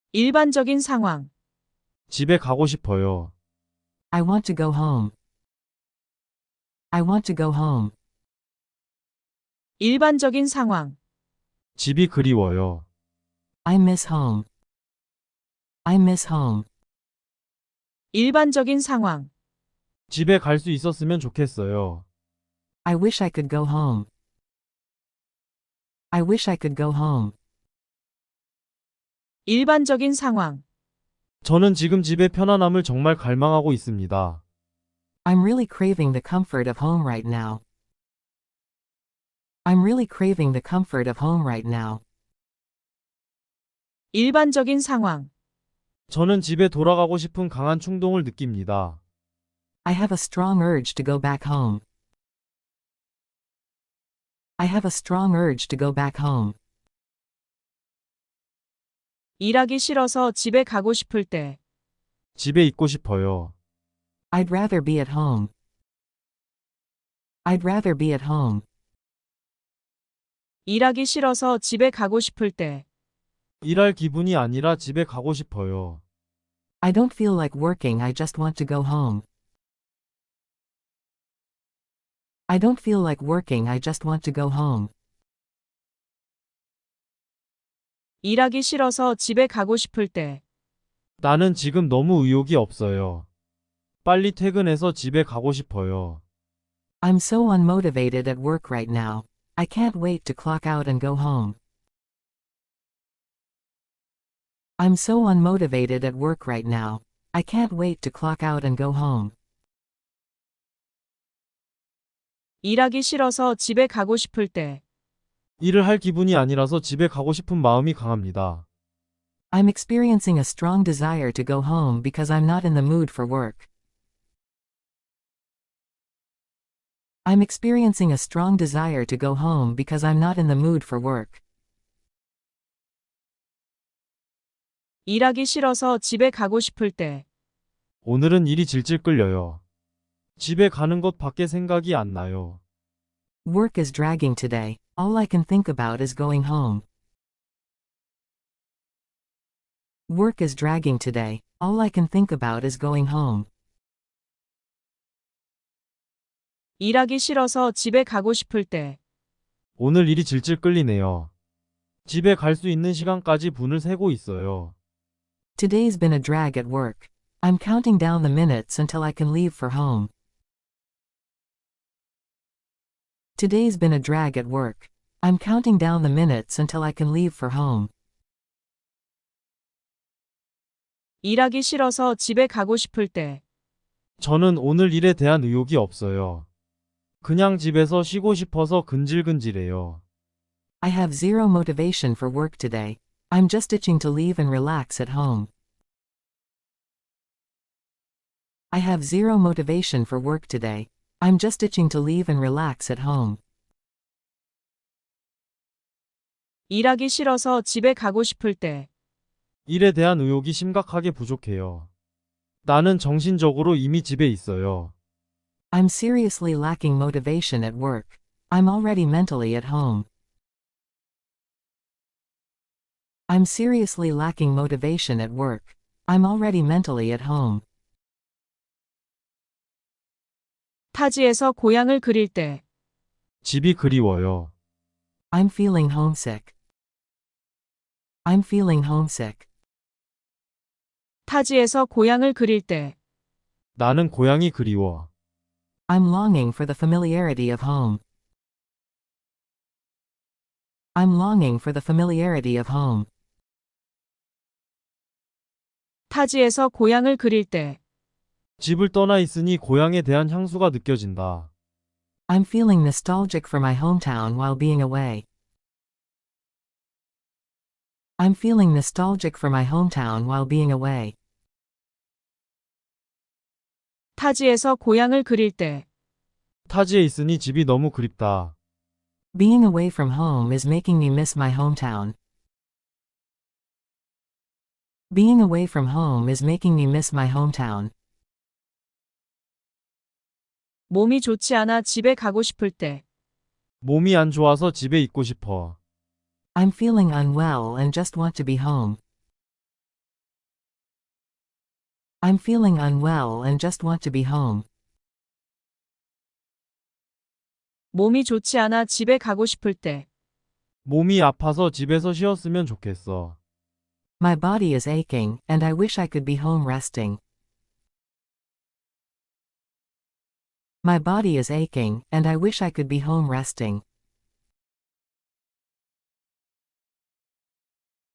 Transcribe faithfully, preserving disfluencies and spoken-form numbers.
일반적인 상황. 집에 가고 싶어요. I want to go home. I want to go home. 일반적인 상황. 집이 그리워요. I miss home. I miss home. 일반적인 상황. 집에 갈 수 있었으면 좋겠어요. I wish I could go home. I wish I could go home. 일반적인 상황. 저는 지금 집의 편안함을 정말 갈망하고 있습니다. I'm really craving the comfort of home right now. I'm really craving the comfort of home right now. 일반적인 상황. 저는 집에 돌아가고 싶은 강한 충동을 느낍니다. I have a strong urge to go back home. I have a strong urge to go back home. 일하기 싫어서 집에 가고 싶을 때. 집에 있고 싶어요. I'd rather be at home. I'd rather be at home. 일하기 싫어서 집에 가고 싶을 때. 일할 기분이 아니라 집에 가고 싶어요. I don't feel like working, I just want to go home. I don't feel like working, I just want to go home. 일하기 싫어서 집에 가고 싶을 때. 나는 지금 너무 의욕이 없어요. 빨리 퇴근해서 집에 가고 싶어요. I'm so unmotivated at work right now. I can't wait to clock out and go home. I'm so unmotivated at work right now. I can't wait to clock out and go home. 일하기 싫어서 집에 가고 싶을 때. 일을 할 기분이 아니라서 집에 가고 싶은 마음이 강합니다. I'm experiencing a strong desire to go home because I'm not in the mood for work. I'm experiencing a strong desire to go home because I'm not in the mood for work. 일하기 싫어서 집에 가고 싶을 때. 오늘은 일이 질질 끌려요. 집에 가는 것 밖에 생각이 안 나요. Work is dragging today. All I can think about is going home. Work is dragging today. All I can think about is going home. 일하기 싫어서 집에 가고 싶을 때. 오늘 일이 질질 끌리네요. 집에 갈 수 있는 시간까지 분을 세고 있어요. Today's been a drag at work. I'm counting down the minutes until I can leave for home. Today's been a drag at work. I'm counting down the minutes until I can leave for home. 일하기 싫어서 집에 가고 싶을 때. 저는 오늘 일에 대한 의욕이 없어요. 그냥 집에서 쉬고 싶어서 근질근질해요. I have zero motivation for work today. I'm just itching to leave and relax at home. I have zero motivation for work today. I'm just itching to leave and relax at home. 일하기 싫어서 집에 가고 싶을 때. 일에 대한 의욕이 심각하게 부족해요. 나는 정신적으로 이미 집에 있어요. I'm seriously lacking motivation at work. I'm already mentally at home. I'm seriously lacking motivation at work. I'm already mentally at home. 타지에서 고향을 그릴 때. 집이 그리워요. I'm feeling homesick. I'm feeling homesick. 타지에서 고향을 그릴 때. 나는 고향이 그리워. I'm longing for the familiarity of home. I'm longing for the familiarity of home. 타지에서 고향을 그릴 때. 집을 떠나 있으니 고향에 대한 향수가 느껴진다. I'm feeling nostalgic for my hometown while being away. I'm feeling nostalgic for my hometown while being away. 타지에서 고향을 그릴 때. 타지에 있으니 집이 너무 그립다. Being away from home is making me miss my hometown. Being away from home is making me miss my hometown. 몸이 좋지 않아 집에 가고 싶을 때. 몸이 안 좋아서 집에 있고 싶어. I'm feeling unwell and just want to be home. I'm feeling unwell and just want to be home. 몸이 좋지 않아 집에 가고 싶을 때. 몸이 아파서 집에서 쉬었으면 좋겠어. My body is aching, and I wish I could be home resting. My body is aching, and I wish I could be home resting.